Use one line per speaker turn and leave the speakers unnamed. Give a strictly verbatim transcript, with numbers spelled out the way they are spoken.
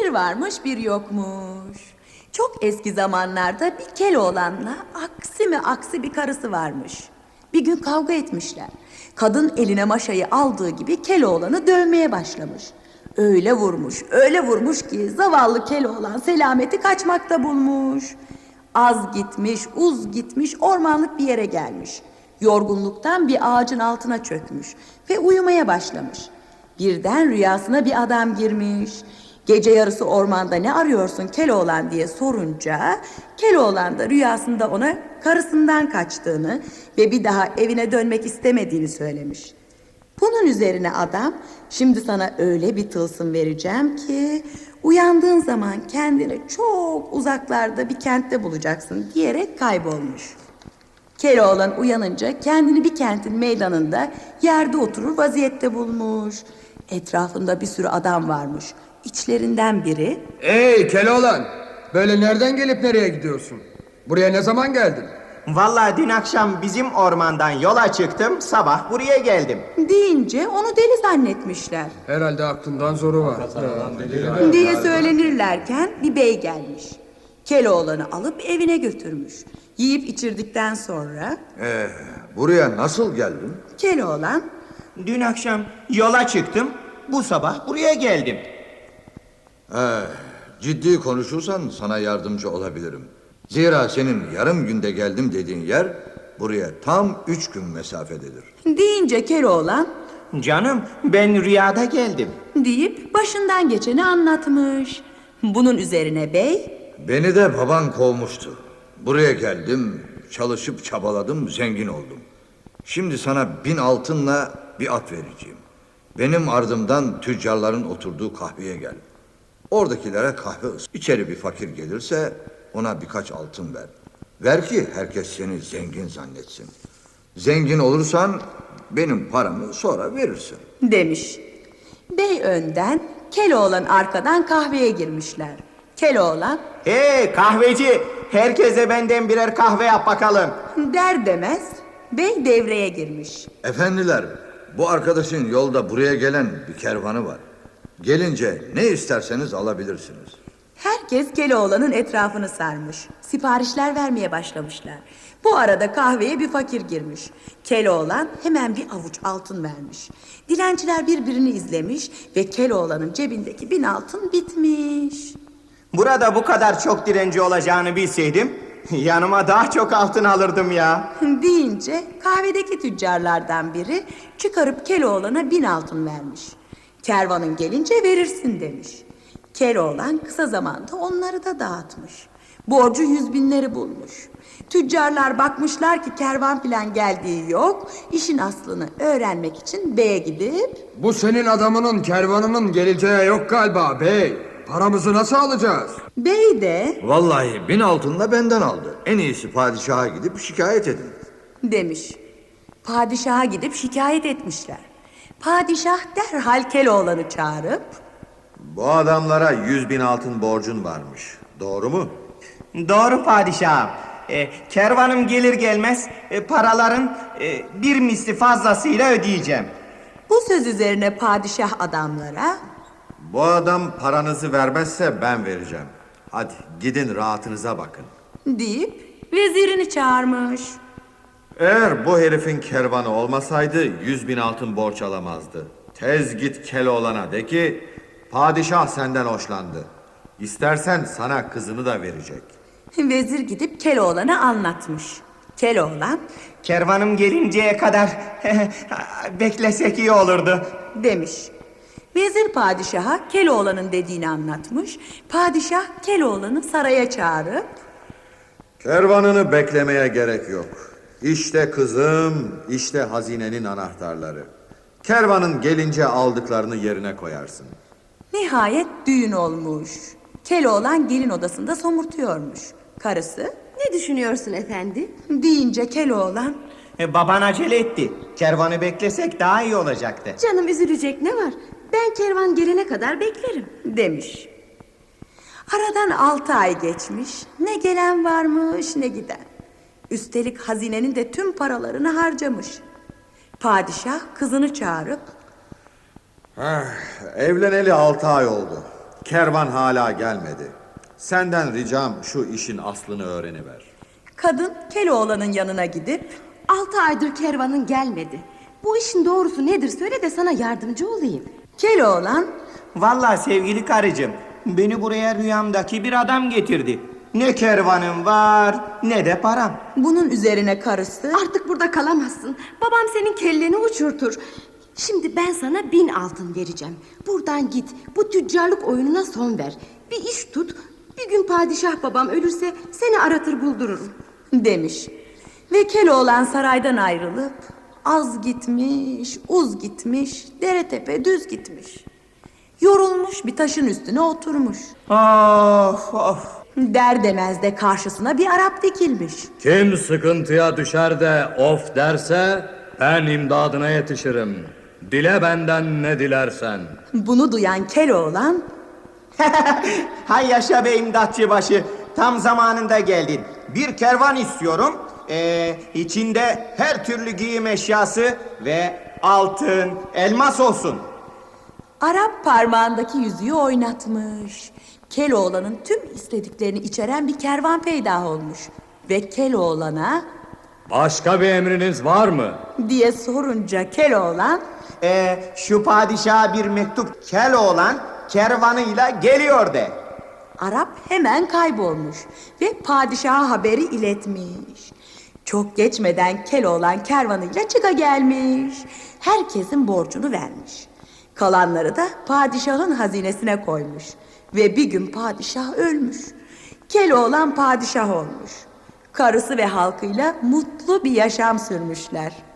Bir varmış bir yokmuş. Çok eski zamanlarda bir Keloğlan'la aksi mi aksi bir karısı varmış. Bir gün kavga etmişler. Kadın eline maşayı aldığı gibi Keloğlan'ı dövmeye başlamış. Öyle vurmuş, öyle vurmuş ki zavallı Keloğlan selameti kaçmakta bulmuş. Az gitmiş, uz gitmiş, ormanlık bir yere gelmiş. Yorgunluktan bir ağacın altına çökmüş ve uyumaya başlamış. Birden rüyasına bir adam girmiş. Gece yarısı ormanda ne arıyorsun Keloğlan diye sorunca Keloğlan da rüyasında ona karısından kaçtığını ve bir daha evine dönmek istemediğini söylemiş. Bunun üzerine adam, şimdi sana öyle bir tılsım vereceğim ki uyandığın zaman kendini çok uzaklarda bir kentte bulacaksın diyerek kaybolmuş. Keloğlan uyanınca kendini bir kentin meydanında yerde oturur vaziyette bulmuş. Etrafında bir sürü adam varmış. İçlerinden biri,
Ey Keloğlan, böyle nereden gelip nereye gidiyorsun? Buraya ne zaman geldin?
Vallahi dün akşam bizim ormandan yola çıktım, sabah buraya geldim.
deyince onu deli zannetmişler.
Herhalde aklından zoru var.
diye söylenirlerken bir bey gelmiş. Keloğlan'ı alıp evine götürmüş. Yiyip içirdikten sonra
Ee, buraya nasıl geldin?
Keloğlan,
Dün akşam yola çıktım, bu sabah buraya geldim.
Ee, ciddi konuşursan sana yardımcı olabilirim. Zira senin yarım günde geldim dediğin yer buraya tam üç gün mesafededir.
deyince Keloğlan
Canım, ben rüyada geldim.
deyip başından geçeni anlatmış. Bunun üzerine bey,
Beni de baban kovmuştu. Buraya geldim, çalışıp çabaladım, zengin oldum. Şimdi sana bin altınla bir at vereceğim. Benim ardımdan tüccarların oturduğu kahveye gel. Oradakilere kahve ıs. İçeri bir fakir gelirse ona birkaç altın ver. Ver ki herkes seni zengin zannetsin. Zengin olursan benim paramı sonra verirsin.
demiş. Bey önden, Keloğlan arkadan kahveye girmişler. Keloğlan
Hey kahveci, herkese benden birer kahve yap bakalım.
der demez bey devreye girmiş.
Efendiler, bu arkadaşın yolda buraya gelen bir kervanı var. Gelince ne isterseniz alabilirsiniz.
Herkes Keloğlan'ın etrafını sarmış. Siparişler vermeye başlamışlar. Bu arada kahveye bir fakir girmiş. Keloğlan hemen bir avuç altın vermiş. Dilenciler birbirini izlemiş ve Keloğlan'ın cebindeki bin altın bitmiş.
Burada bu kadar çok direnci olacağını bilseydim, yanıma daha çok altın alırdım ya.
deyince kahvedeki tüccarlardan biri çıkarıp Keloğlan'a bin altın vermiş. Kervanın gelince verirsin demiş. Keloğlan kısa zamanda onları da dağıtmış. Borcu yüz binleri bulmuş. Tüccarlar bakmışlar ki kervan filan geldiği yok. İşin aslını öğrenmek için beye gidip
Bu senin adamının kervanının geleceği yok galiba bey. Paramızı nasıl alacağız?
bey de
Vallahi bin altınla benden aldı. En iyisi padişaha gidip şikayet edin.
demiş. Padişaha gidip şikayet etmişler. Padişah derhal Keloğlan'ı çağırıp
Bu adamlara yüz bin altın borcun varmış. Doğru mu?
Doğru padişahım. E, kervanım gelir gelmez e, paraların e, bir misli fazlasıyla ödeyeceğim.
bu söz üzerine padişah adamlara
Bu adam paranızı vermezse ben vereceğim. Hadi gidin rahatınıza bakın.
deyip vezirini çağırmış.
Eğer bu herifin kervanı olmasaydı yüz bin altın borç alamazdı. Tez git Keloğlan'a de ki padişah senden hoşlandı. İstersen sana kızını da verecek.
Vezir gidip Keloğlan'a anlatmış. Keloğlan
Kervanım gelinceye kadar beklesek iyi olurdu.
demiş. Vezir padişaha Keloğlan'ın dediğini anlatmış. Padişah Keloğlan'ı saraya çağırıp
Kervanını beklemeye gerek yok. İşte kızım, işte hazinenin anahtarları. Kervanın gelince aldıklarını yerine koyarsın.
nihayet düğün olmuş. Keloğlan gelin odasında somurtuyormuş. Karısı
Ne düşünüyorsun efendi?
deyince Keloğlan
E, baban acele etti. Kervanı beklesek daha iyi olacaktı.
Canım üzülecek ne var? Ben kervan gelene kadar beklerim.
demiş. Aradan altı ay geçmiş. Ne gelen varmış ne giden. Üstelik hazinenin de tüm paralarını harcamış. Padişah kızını çağırıp
Evleneli altı ay oldu. Kervan hala gelmedi. Senden ricam şu işin aslını öğreniver.
Kadın Keloğlan'ın yanına gidip
Altı aydır kervanın gelmedi. Bu işin doğrusu nedir söyle de sana yardımcı olayım.
Keloğlan
Vallahi sevgili karıcığım, beni buraya rüyamdaki bir adam getirdi. Ne kervanım var, ne de param.
bunun üzerine karısı
Artık burada kalamazsın. Babam senin kelleni uçurtur. Şimdi ben sana bin altın vereceğim. Buradan git. Bu tüccarlık oyununa son ver. Bir iş tut. Bir gün padişah babam ölürse seni aratır buldururum.
demiş. Ve Keloğlan saraydan ayrılıp az gitmiş, uz gitmiş, dere tepe düz gitmiş. Yorulmuş bir taşın üstüne oturmuş.
Of of.
Der demez de karşısına bir Arap dikilmiş.
Kim sıkıntıya düşer de of derse ben imdadına yetişirim. Dile benden ne dilersen.
Bunu duyan Keloğlan
Hay yaşa be imdatçıbaşı, tam zamanında geldin. Bir kervan istiyorum. Ee, içinde her türlü giyim eşyası ve altın, elmas olsun.
Arap parmağındaki yüzüğü oynatmış. Keloğlan'ın tüm istediklerini içeren bir kervan peydah olmuş. Ve Keloğlan'a
Başka bir emriniz var mı?
diye sorunca Keloğlan
Ee, şu padişaha bir mektup Keloğlan kervanıyla geliyor de.
Arap hemen kaybolmuş ve padişaha haberi iletmiş. Çok geçmeden Keloğlan kervanıyla çıka gelmiş. Herkesin borcunu vermiş. Kalanları da padişahın hazinesine koymuş. Ve bir gün padişah ölmüş. Keloğlan padişah olmuş. Karısı ve halkıyla mutlu bir yaşam sürmüşler.